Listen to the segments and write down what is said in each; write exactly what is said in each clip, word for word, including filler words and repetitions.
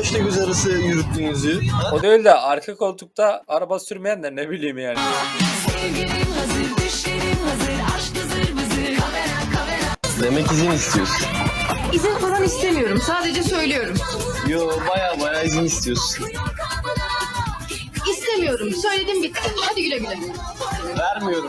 kaçta göz arası yürüttüğünüzü? O değil de arka koltukta araba sürmeyen de ne bileyim yani. Demek izin istiyorsun. İzin falan istemiyorum. Sadece söylüyorum. Yo, baya baya izin istiyorsun. İstemiyorum. Söyledim bitti. Hadi güle güle. Vermiyorum.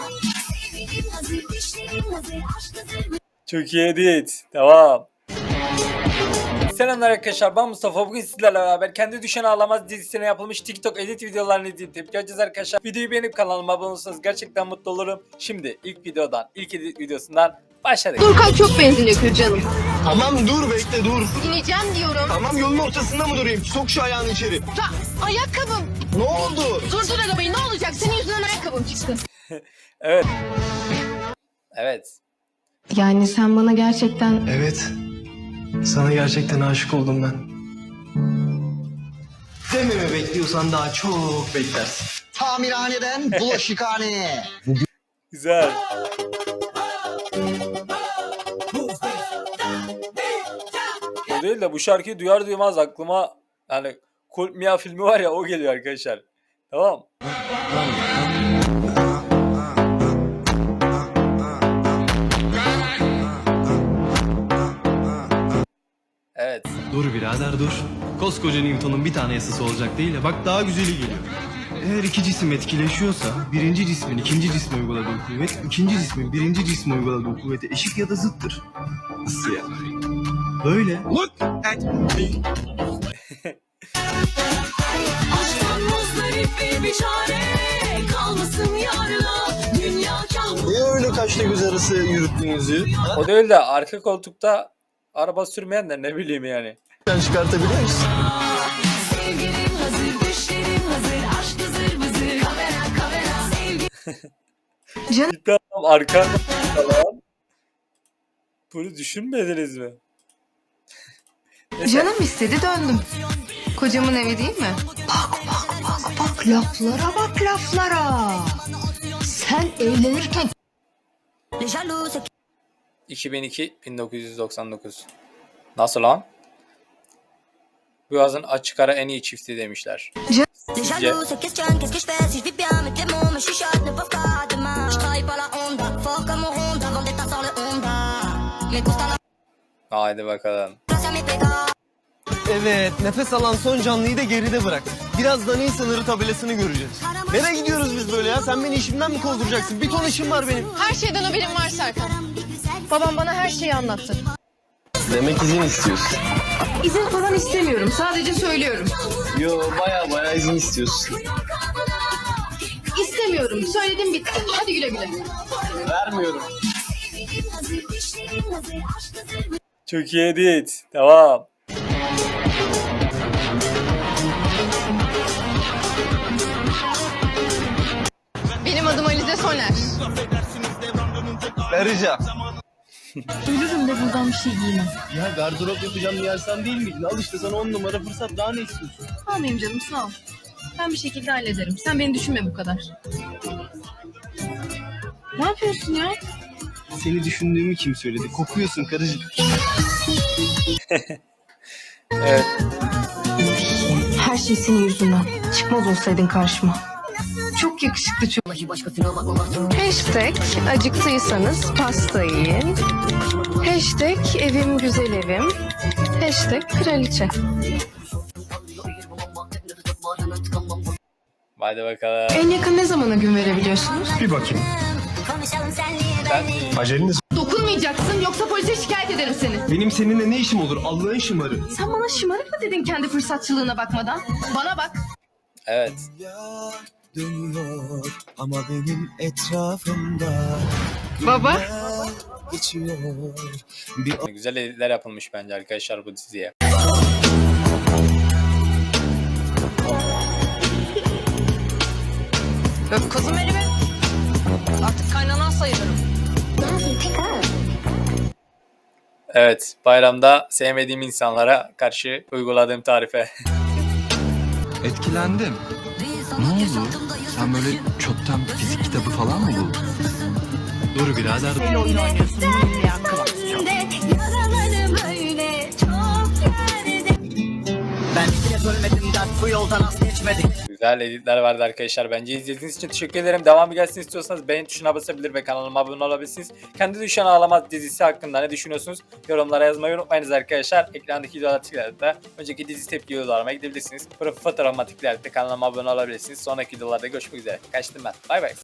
Çok iyi edit. Devam. Selamlar arkadaşlar, ben Mustafa. Bugün sizlerle beraber Kendi Düşen Ağlamaz dizisine yapılmış TikTok edit videolarını izleyip tepki alacağız arkadaşlar. Videoyu beğenip kanalıma abone olursanız gerçekten mutlu olurum. Şimdi ilk videodan, ilk edit videosundan başladık. Durkan çok benzin yakıyor canım. Tamam dur, bekle dur. İneceğim diyorum. Tamam, yolun ortasında mı durayım? Sok şu ayağını içeri. Ya, ayakkabım. Ne oldu? Durdur arabayı, ne olacak? Senin yüzünden ayakkabım çıktı. Evet. Evet. Yani sen bana gerçekten... Evet. Sana gerçekten aşık oldum ben. Dememi bekliyorsan daha çok beklersin. Tamirhaneden bulaşıkhaneye. Güzel. O değil de bu şarkıyı duyar duymaz aklıma yani Cult Mia filmi var ya, o geliyor arkadaşlar. Tamam. Evet. Dur birader dur. Koskoca Newton'un bir tane yasası olacak değil ya. Bak daha güzeli geliyor. Eğer iki cisim etkileşiyorsa birinci cismin ikinci cisme uyguladığı kuvvet ikinci cismin birinci cisme uyguladığı kuvvete eşit ya da zıttır. Nasıl yani? Böyle. Look at me. Niye öyle kaçta göz arası yürüttüğünüzü? O değil de arka koltukta araba sürmeyen de ne bileyim yani. Sen çıkartabiliyor musun? Cidden arka falan. Bunu düşünmediniz mi? Canım istedi, döndüm. Kocamın evi değil mi? Bak bak bak bak, laflara bak laflara. Sen evlenirken... iki bin iki bin dokuz yüz doksan dokuz. Nasıl lan? Bu yazın açık ara en iyi çifti demişler. Sizce? Haydi bakalım. Evet, nefes alan son canlıyı da geride bırak. Birazdan iyi sınırı tabelasını göreceğiz. Nereye gidiyoruz biz böyle ya? Sen beni işimden mi kovduracaksın? Bir ton işim var benim. Her şeyden haberim var Serkan. Babam bana her şeyi anlattı. Demek izin istiyorsun. İzin falan istemiyorum. Sadece söylüyorum. Yo, baya baya izin istiyorsun. İstemiyorum. Söyledim bitti. Hadi güle güle. Vermiyorum. Çok iyi edit. Devam. Benim adım Alize Soner. Vereceğim. Ölürüm de buradan bir şey giymem. Ya gardırop yapacağım diye sen değil miydin? Al işte sana on numara fırsat. Daha ne istiyorsun? Almayayım canım, sağ ol. Ben bir şekilde hallederim. Sen beni düşünme bu kadar. Ne yapıyorsun ya? Seni düşündüğümü kim söyledi? Kokuyorsun karıcığım. Evet. Her şey senin yüzünden. Çıkmaz olsaydın karşıma. Çok yakışıklı çok. Hashtag acıktıysanız pasta yiyin. Hashtag evim güzel evim. Hashtag kraliçe. Haydi bakalım. En yakın ne zamana gün verebiliyorsunuz? Bir bakayım. Ben Aceliniz Dokunmayacaksın, yoksa polise şikayet ederim seni. Benim seninle ne işim olur? Allah'ın şımarı. Sen bana şımarık mı dedin kendi fırsatçılığına bakmadan? Bana bak. evet. Dönüyor ama benim etrafımda Baba. geçiyor. Bir Güzel editler yapılmış bence arkadaşlar bu diziye. Öp kızım elimi. Artık kaynanan sayılırım. Evet, bayramda sevmediğim insanlara karşı uyguladığım tarife. Etkilendim. Ne oldu? Sen böyle çöpten fizik kitabı falan mı buldun? Dur birader. Ben ölmedim dert bu yoldan az geçmedik. Güzel editler vardı arkadaşlar. Bence izlediğiniz için teşekkür ederim. Devamı gelsin istiyorsanız beğen tuşuna basabilir ve kanalıma abone olabilirsiniz. Kendi Düşen Ağlamaz dizisi hakkında ne düşünüyorsunuz? Yorumlara yazmayı unutmayınız arkadaşlar. Ekrandaki videoları tıklayarak da önceki dizi tepki videolarıma gidebilirsiniz. Profil fotoğrafıma tıklayarak da kanalıma abone olabilirsiniz. Sonraki videolarda görüşmek üzere. Kaçtım ben. Bay bay.